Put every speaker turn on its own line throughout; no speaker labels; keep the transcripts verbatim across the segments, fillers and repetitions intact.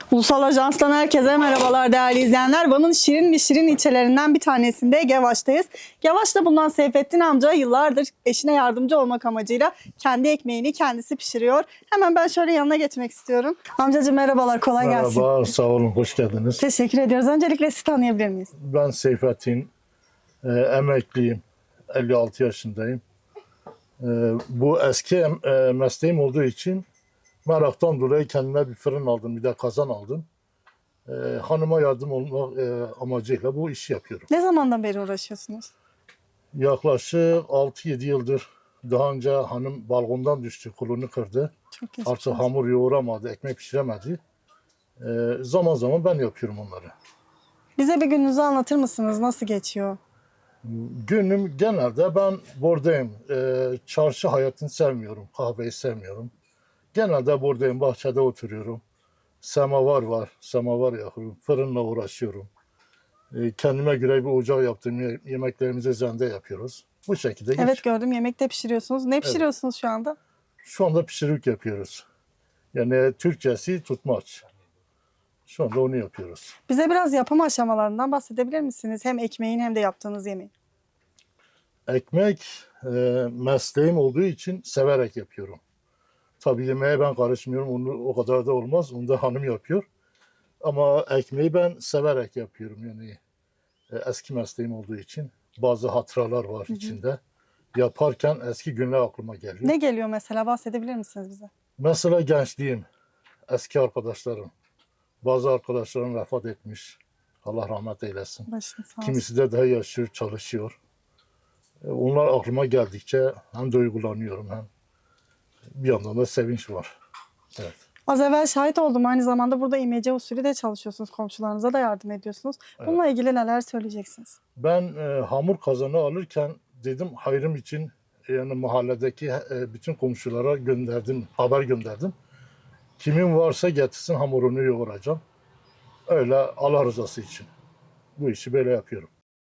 Ulusal Ajans'tan herkese merhabalar değerli izleyenler. Van'ın şirin ve şirin ilçelerinden bir tanesinde Gevaş'tayız. Gevaş'ta bulunan Seyfettin amca yıllardır eşine yardımcı olmak amacıyla kendi ekmeğini kendisi pişiriyor. Hemen ben şöyle yanına geçmek istiyorum. Amcacığım merhabalar, kolay gelsin.
Merhaba, sağ olun, hoş geldiniz.
Teşekkür ediyoruz. Öncelikle sizi tanıyabilir miyiz?
Ben Seyfettin, e, emekliyim, elli altı yaşındayım. E, bu eski em- e, mesleğim olduğu için meraktan dolayı kendime bir fırın aldım, bir de kazan aldım. E, hanıma yardım olmak e, amacıyla bu işi yapıyorum.
Ne zamandan beri uğraşıyorsunuz?
Yaklaşık altı yedi yıldır. Daha önce hanım balkondan düştü, kolunu kırdı.
Çok geçmiş
Artık
olsun.
hamur yoğuramadı, ekmek pişiremedi. E, zaman zaman ben yapıyorum onları.
Bize bir gününüzü anlatır mısınız? Nasıl geçiyor?
Günüm genelde ben buradayım. Ee, çarşı hayatını sevmiyorum. Kahveyi sevmiyorum. Genelde buradayım. Bahçede oturuyorum. Semavar var. Semavar yakıyorum. Fırınla uğraşıyorum. Ee, kendime göre bir ocak yaptım. Ye- Yemeklerimizi zende yapıyoruz. Bu şekilde
Evet,
geç.
gördüm, yemek de pişiriyorsunuz. Ne pişiriyorsunuz şu anda?
Şu anda pişirik yapıyoruz. Yani Türkçesi tutmaç. Şu anda onu yapıyoruz.
Bize biraz yapım aşamalarından bahsedebilir misiniz? Hem ekmeğin hem de yaptığınız yemeğin.
Ekmek e, mesleğim olduğu için severek yapıyorum. Tabii yemeğe ben karışmıyorum. Onu o kadar da olmaz. Onu da hanım yapıyor. Ama ekmeği ben severek yapıyorum. Yani e, eski mesleğim olduğu için bazı hatıralar var içinde. Yaparken eski günler aklıma geliyor.
Ne geliyor mesela? Bahsedebilir misiniz bize?
Mesela gençliğim, eski arkadaşlarım. Bazı arkadaşlarım vefat etmiş. Allah rahmet eylesin.
Başını sağ olsun.
Kimisi de daha yaşıyor, çalışıyor. E, Onlar aklıma geldikçe hem duygulanıyorum hem bir yandan da sevinç var. Evet.
Az evvel şahit oldum. Aynı zamanda burada imece usulü de çalışıyorsunuz. Komşularınıza da yardım ediyorsunuz. Bununla ilgili neler söyleyeceksiniz?
Ben e, hamur kazanı alırken dedim hayrım için yani mahalledeki e, bütün komşulara gönderdim, haber gönderdim. Kimin varsa getirsin hamurunu yoğuracağım. Öyle Allah rızası için. Bu işi böyle yapıyorum.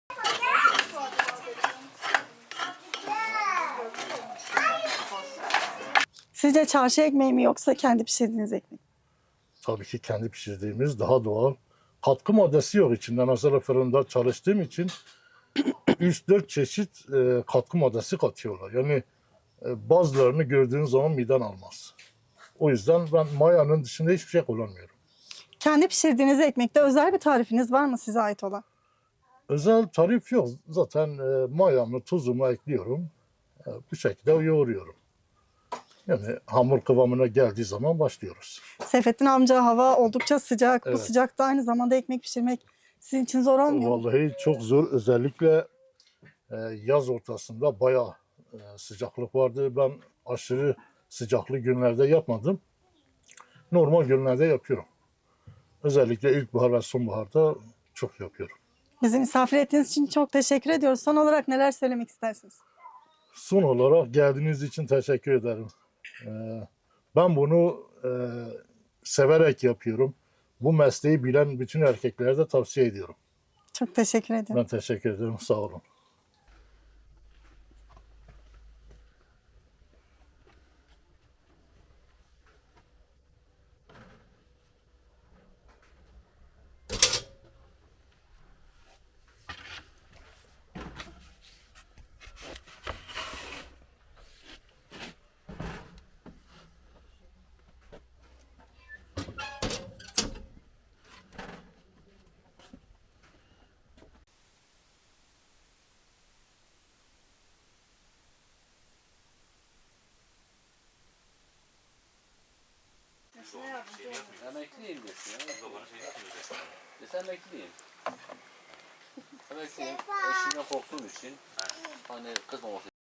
Sizce çarşı ekmeği mi yoksa kendi pişirdiğiniz ekmek mi?
Tabii ki kendi pişirdiğimiz daha doğal. Katkı maddesi yok içinde. Mesela fırında çalıştığım için üç dört çeşit e, katkı maddesi katıyorlar. Yani e, bazılarını gördüğün zaman miden almaz. O yüzden ben mayanın dışında hiçbir şey kullanmıyorum.
Kendi pişirdiğiniz ekmekte özel bir tarifiniz var mı size ait olan?
Özel tarif yok. Zaten e, mayamı, tuzumu ekliyorum. E, bu şekilde yoğuruyorum. Yani hamur kıvamına geldiği zaman başlıyoruz.
Seyfettin amca, hava oldukça sıcak. Bu
Evet.
sıcakta aynı zamanda ekmek pişirmek sizin için zor olmuyor mu?
Vallahi çok zor. Özellikle e, yaz ortasında bayağı e, sıcaklık vardı. Ben aşırı sıcaklı günlerde yapmadım. Normal günlerde yapıyorum. Özellikle ilkbahar ve sonbaharda çok yapıyorum.
Bizi misafir ettiğiniz için çok teşekkür ediyoruz. Son olarak neler söylemek istersiniz?
Son olarak geldiğiniz için teşekkür ederim. E, ben bunu e, severek yapıyorum. Bu mesleği bilen bütün erkeklere de tavsiye ediyorum.
Çok teşekkür ediyorum.
Ben teşekkür ederim. Sağ olun.
Emekliyim desin ya. Desin emekliyim. Emekliyim. Eşimden korktuğum için hani kızmaması